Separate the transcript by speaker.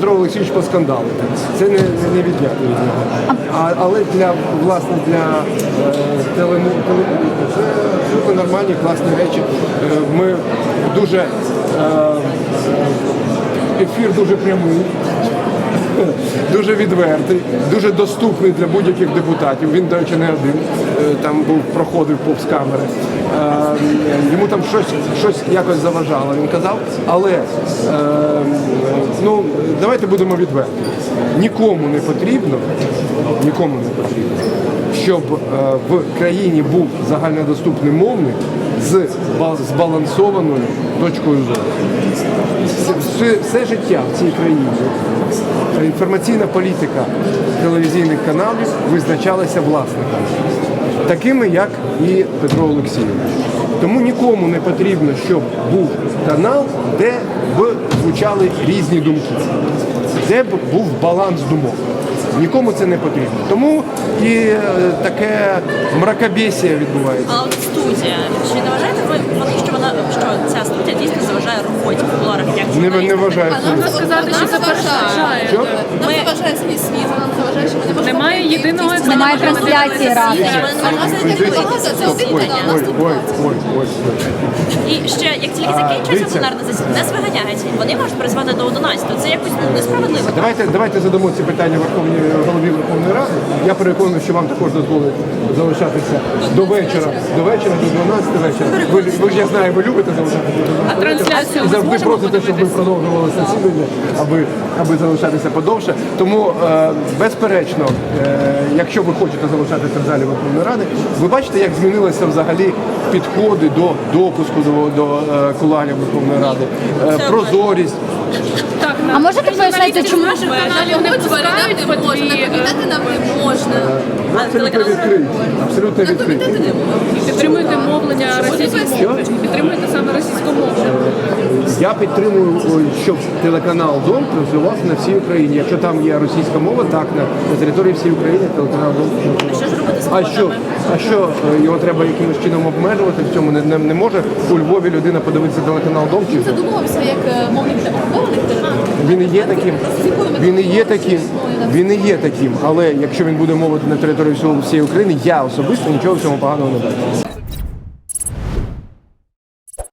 Speaker 1: Петро Олексійович поскандалив. Це не відняти від нього. Але власне для телемовлення це абсолютно нормальні, класні речі. Ми дуже ефір дуже прямий. Дуже відвертий, дуже доступний для будь-яких депутатів. Він, до речі, не один. Там проходив повз камери. Йому там щось якось заважало, він казав. Але давайте будемо відверті. Нікому не потрібно, щоб в країні був загальнодоступний мовник з збалансованою точкою зору. Все життя в цій країні інформаційна політика телевізійних каналів визначалася власниками, такими як і Петро Олексійович. Тому нікому не потрібно, щоб був канал, де б звучали різні думки, де б був баланс думок. Нікому це не потрібно. Тому і таке мракобесія відбувається.
Speaker 2: А от студія, чи не вважаєте ви, що ця студія дійсно заважає роботі в кулуарах як журналістів?
Speaker 1: Не вважаю.
Speaker 3: Можна сказати, що це перешкоджає.
Speaker 1: Що?
Speaker 3: Нам заважає свій світ, нам заважає, що ми не можемо... Немає єдиного...
Speaker 4: Немає трансляції ради.
Speaker 3: Це один канал, нас тут
Speaker 2: І ще, як тільки закінчується пленарне засідання, нас виганяють. Вони можуть призвати до 11. Це якось несправедливо.
Speaker 1: Давайте задамо ці питання голові Верховної Ради. Я переконаний, що вам також дозволить залишатися до вечора, до 12 вечора. Ви ж, я знаю, ви любите залишатися до 12
Speaker 3: А трансляцію
Speaker 1: і
Speaker 3: ми
Speaker 1: завжди
Speaker 3: зможемо
Speaker 1: просите, щоб ви продовжували засідання, аби залишатися подовше. Тому, безперечно, якщо ви хочете залишатися в залі Верховної Ради, ви бачите, як змінилися взагалі підходи до допуску до кулуарів Верховної Ради, прозорість.
Speaker 4: А можете пояснити, чому?
Speaker 3: Наших каналів не пускають
Speaker 5: на комітети нам не можна.
Speaker 1: Абсолютно відкриті. Абсолютно відкриті.
Speaker 3: підтримуєте мовлення російськомовне. Підтримуєте саме російськомовне.
Speaker 1: Я підтримую, щоб телеканал Дом розвивався на всій Україні. Якщо там є російська мова, так, на території всієї України телеканал Дом.
Speaker 2: Що ж робити з
Speaker 1: А що його треба якимось чином обмежувати в цьому? Не може у Львові людина подивитися телеканал Дом? Чи
Speaker 5: Задумувався як мовник окупованих територій.
Speaker 1: він і є таким, він і є таким, але якщо він буде мовити на території всієї України, я особисто нічого в цьому поганого не бачу.